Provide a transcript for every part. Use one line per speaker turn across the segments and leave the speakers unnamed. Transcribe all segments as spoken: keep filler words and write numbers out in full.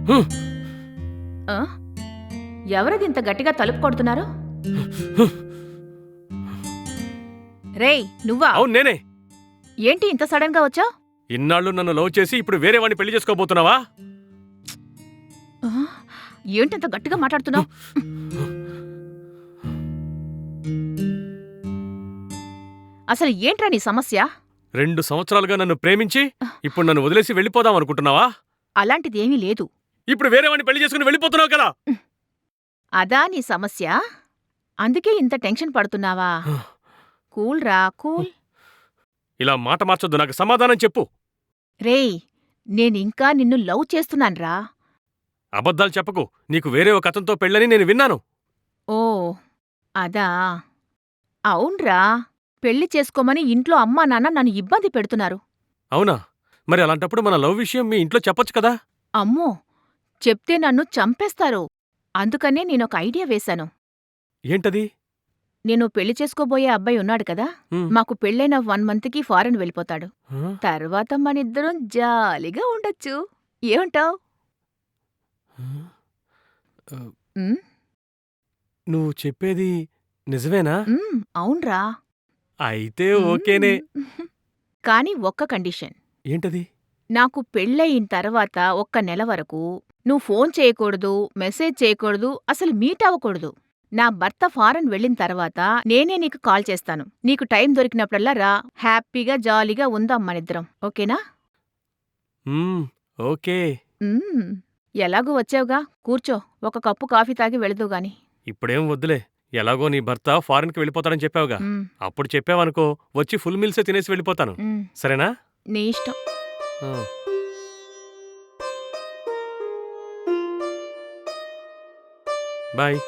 ఆ? ఎవరది ఇంత గట్టిగా తలుపు కొడుతున్నారు? రేయ్ నువ్వా?
అవును నేనే.
ఏంటి ఇంత సడన్ గా వచ్చావు?
ఇన్నాళ్ళు నన్ను లవ్ చేసి ఇప్పుడు వేరే వాడిని పెళ్లి చేసుకోబోతున్నావా?
ఏంటి ఇంత గట్టిగా మాట్లాడుతున్నావు? అసలు ఏంట్రా నీ సమస్య?
రెండు సంవత్సరాలుగా నన్ను ప్రేమించి ఇప్పుడు నన్ను వదిలేసి వెళ్ళిపోదాం అనుకుంటున్నావా?
అలాంటిదేమీ లేదు.
ఇప్పుడు వేరే వాడిని పెళ్లి చేసుకుని వెళ్ళిపోతున్నావు కదా?
అదా నీ సమస్య? అందుకే ఇంత టెన్షన్ పడుతున్నావా? కూల్ రా కూల్.
ఇలా మాట మార్చొద్దు, నాకు సమాధానం చెప్పు.
రేయ్ నేనింకా నిన్ను లవ్ చేస్తున్నాన్రా.
అబద్ధాలు చెప్పకు. నీకు వేరే ఒక అతనితో పెళ్ళని నేను విన్నాను.
ఓ అదా? అవున్రా, పెళ్లి చేసుకోమని ఇంట్లో అమ్మా నాన్న నన్ను ఇబ్బంది పెడుతున్నారు.
అవునా? మరి అలాంటప్పుడు మన లవ్ విషయం మీ ఇంట్లో చెప్పొచ్చు కదా?
అమ్మో, చెప్తే నన్ను చంపేస్తారు. అందుకనే నేనొక ఐడియా వేశాను.
ఏంటది?
నేను పెళ్లి చేసుకోబోయే అబ్బాయి ఉన్నాడు కదా,
హ్మ్.
మాకు పెళ్ళైన వన్ మంత్కి ఫారెన్ వెళ్ళిపోతాడు.
ఆ?
తర్వాత మనిద్దరం జాలీగా ఉండొచ్చు. ఏమంటావ్?
ఆ,
ఉమ్,
నువ్వు చెప్పేది నిజమేనా?
ఉమ్, అవున్రా.
అయితే ఓకేనే.
ఉమ్. కాని ఒక్క కండిషన్.
ఏంటది?
నాకు పెళ్ళయిన తర్వాత ఒక్క నెల వరకు నువ్వు ఫోన్ చేయకూడదు, మెసేజ్ చేయకూడదు, అసలు మీట్ అవ్వకూడదు. నా భర్త ఫారెన్ వెళ్ళిన తర్వాత నేనే నీకు కాల్ చేస్తాను. నీకు టైం దొరికినప్పుడల్లా రా. హ్యాపీగా జాలీగా ఉందాం మనిద్దరం. ఓకేనా?
మ్మ్, ఓకే.
ఉమ్, ఎలాగూ వచ్చావుగా, కూర్చో. ఒక కప్పు కాఫీ తాగి వెళదువుగాని.
ఇప్పుడేం వద్దులే. ఎలాగో నీ భర్త ఫారెన్కి వెళ్ళిపోతాడని చెప్పావుగా.
ఉమ్,
అప్పుడు చెప్పావనుకో, వచ్చి ఫుల్ మీల్సే తినేసి వెళ్ళిపోతాను.
ఉమ్,
సరేనా?
నీ ఇష్టం.
ఆ. బాయ్.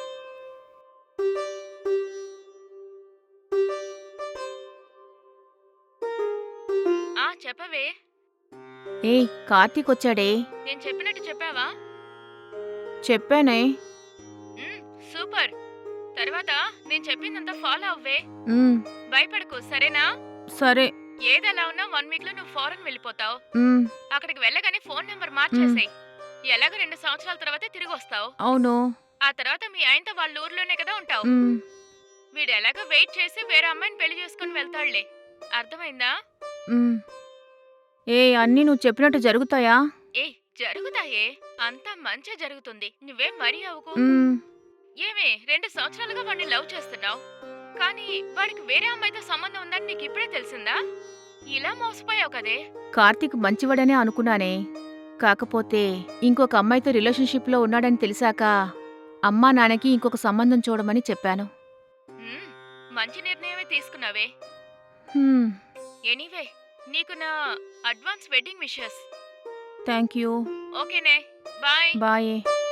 ఆ చెప్పవే. ఏయ్ కార్తీక్ వచ్చాడే.
నేను చెప్పినట్టు చెప్పావా?
చెప్పానే.
మ్మ్, సూపర్. తర్వాత నేను చెప్పిందంతా ఫాలో అవ్వే.
ఉమ్,
భయపడకు, సరేనా?
సరే.
ఏదెలా ఉన్నా వన్ వీక్ లో నువ్వు ఫారెన్ వెళ్ళిపోతావు.
ఉమ్,
అక్కడికి వెళ్ళగానే ఫోన్ నెంబర్ మార్చేసేయ్. ఎలాగో రెండు సంవత్సరాల తర్వాత తిరిగి వస్తావు.
అవును.
ఆ తర్వాత మీ ఆయనతో వాళ్ళ ఊర్లోనే కదా ఉంటావు.
ఉమ్,
వీడు ఎలాగో వెయిట్ చేసి వేరే అమ్మాయిని పెళ్లి చేసుకుని వెళ్తాడులే. అర్థమైందా?
ఉమ్. ఏ అన్నీ నువ్వు చెప్పినట్టు జరుగుతాయా?
ఏ జరుగుతాయే, అంతా మంచే జరుగుతుంది. నువ్వేం మరీ అవ్వకు.
ఉమ్,
ఏమే, రెండు సంవత్సరాలుగా వాడిని లవ్ చేస్తున్నావు, కానీ వాడికి వేరే అమ్మాయితో సంబంధం ఉందని నీకు ఇప్పుడే తెలిసిందా? ఇలా మోసపోయావు కదే.
కార్తీక్ మంచివాడనే అనుకున్నానే. కాకపోతే ఇంకొక అమ్మాయితో రిలేషన్షిప్లో ఉన్నాడని తెలిసాక అమ్మా నాన్నకి ఇంకొక సంబంధం చూడమని చెప్పాను.
మ్మ్, మంచి నిర్ణయమే తీసుకున్నావే.
హ్మ్,
ఎనీవే, నీకు నా advance wedding wishes.
Thank you.
ఓకేనే, బాయ్.
బాయే.